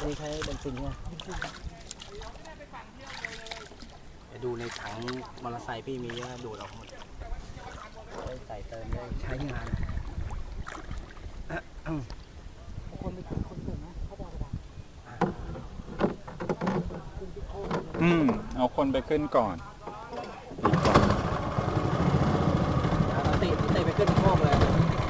นี่ใช้เบนซินไงดูในถังมอเตอร์ไซค์พี่มีเยอะดูดออกหมดใส่เติมได้ใช้งานคนไปคนเติมนะเขาบอกว่าเอาคนไปขึ้นก่อนดีกว่าติไปขึ้นโค้งเลย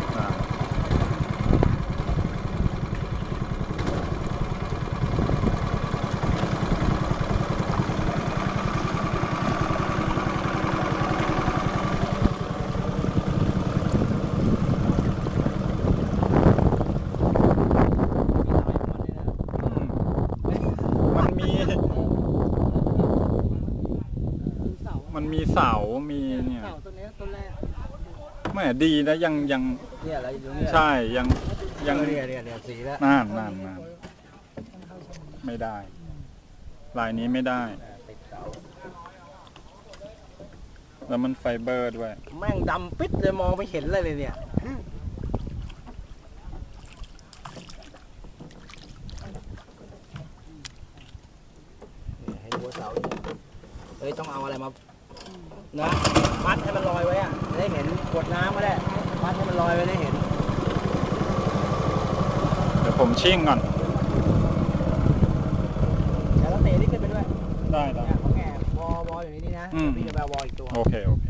มันมีเสา มีเนี่ยเสาต้นนี้ต้นแรกไม่ดีนะยังเนี่ยอะไรอยู่เนี่ยใช่ยังเนี่ยสีแล้วนั่นไม่ได้ลายนี้ไม่ได้แล้วมันไฟเบอร์ด้วยแม่งดำปิดเลยมองไม่เห็นเลยเนี่ยให้หัวเสาต้องเอาอะไรมานะมัดให้มันลอยไว้อะจะได้เห็นขวดน้ำก็ได้มัดให้มันลอยไว้ได้เห็นเดี๋ยวผมชิ่งก่อนแล้วเตะนี่ขึ้นไปด้วยได้เขาแง่วออยู่นี่นะพี่จะไปวออีกตัวโอเค